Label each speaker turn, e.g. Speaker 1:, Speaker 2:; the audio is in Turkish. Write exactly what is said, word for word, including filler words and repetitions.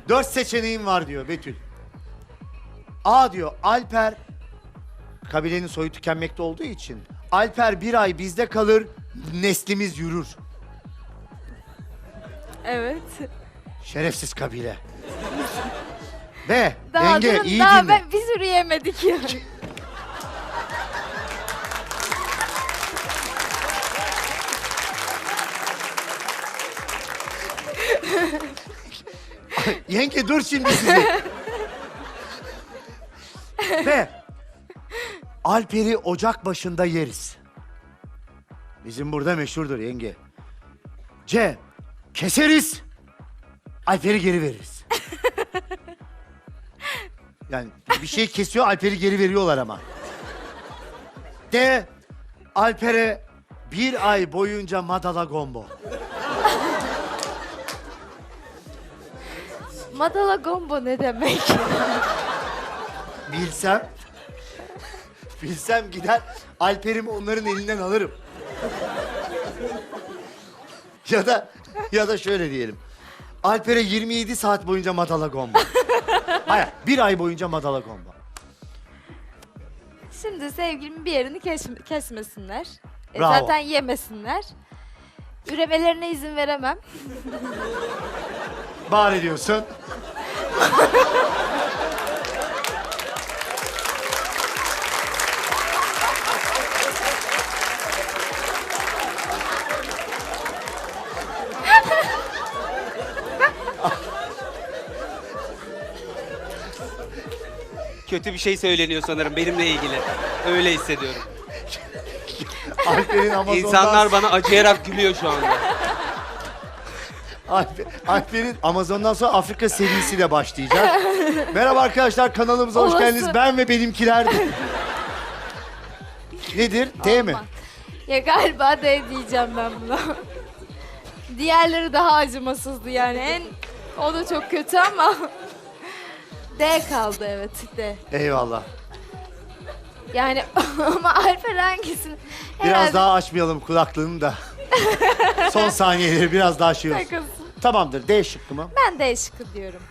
Speaker 1: Dört seçeneğim var diyor Betül. A diyor, Alper, kabilenin soyu tükenmekte olduğu için, Alper bir ay bizde kalır, neslimiz yürür.
Speaker 2: Evet.
Speaker 1: Şerefsiz kabile. B,
Speaker 2: Daha
Speaker 1: yenge
Speaker 2: durun,
Speaker 1: iyi
Speaker 2: daha
Speaker 1: dinle.
Speaker 2: ben, biz yürüyemedik ya.
Speaker 1: Yenge dur şimdi sizi. Ve Alper'i ocak başında yeriz. Bizim burada meşhurdur yenge. C. Keseriz. Alper'i geri veririz. Yani bir şey kesiyor, Alper'i geri veriyorlar ama. D. Alper'e bir ay boyunca madala gombo.
Speaker 2: Madala gombo ne demek?
Speaker 1: Bilsem, bilsem gider Alper'imi onların elinden alırım. Ya da ya da şöyle diyelim. Alper'e yirmi yedi saat boyunca madala gomba. Hayır, bir ay boyunca madala gomba.
Speaker 2: Şimdi sevgilimin bir yerini kes- kesmesinler. E,
Speaker 1: Bravo.
Speaker 2: zaten yemesinler. Üremelerine izin veremem.
Speaker 1: Bari diyorsun.
Speaker 3: Kötü bir şey söyleniyor sanırım benimle ilgili. Öyle hissediyorum.
Speaker 1: Alper'in Amazon'dan...
Speaker 3: İnsanlar bana acıyarak gülüyor şu anda.
Speaker 1: Alper, Alper'in Amazon'dan sonra Afrika serisiyle başlayacak. Merhaba arkadaşlar, kanalımıza hoş
Speaker 2: Olası.
Speaker 1: geldiniz. Ben ve benimkiler. Nedir? D mi?
Speaker 2: Olmaz. Ya galiba D diyeceğim ben buna. Diğerleri daha acımasızdı yani. En o da çok kötü ama D kaldı, evet, D.
Speaker 1: Eyvallah.
Speaker 2: Yani ama Alper hangisini?
Speaker 1: Biraz
Speaker 2: Herhalde
Speaker 1: daha açmayalım kulaklığını da. Son saniyeleri biraz daha şey olsun.
Speaker 2: takılsın.
Speaker 1: Tamamdır, D şıkkı mı?
Speaker 2: Ben D şıkkı diyorum.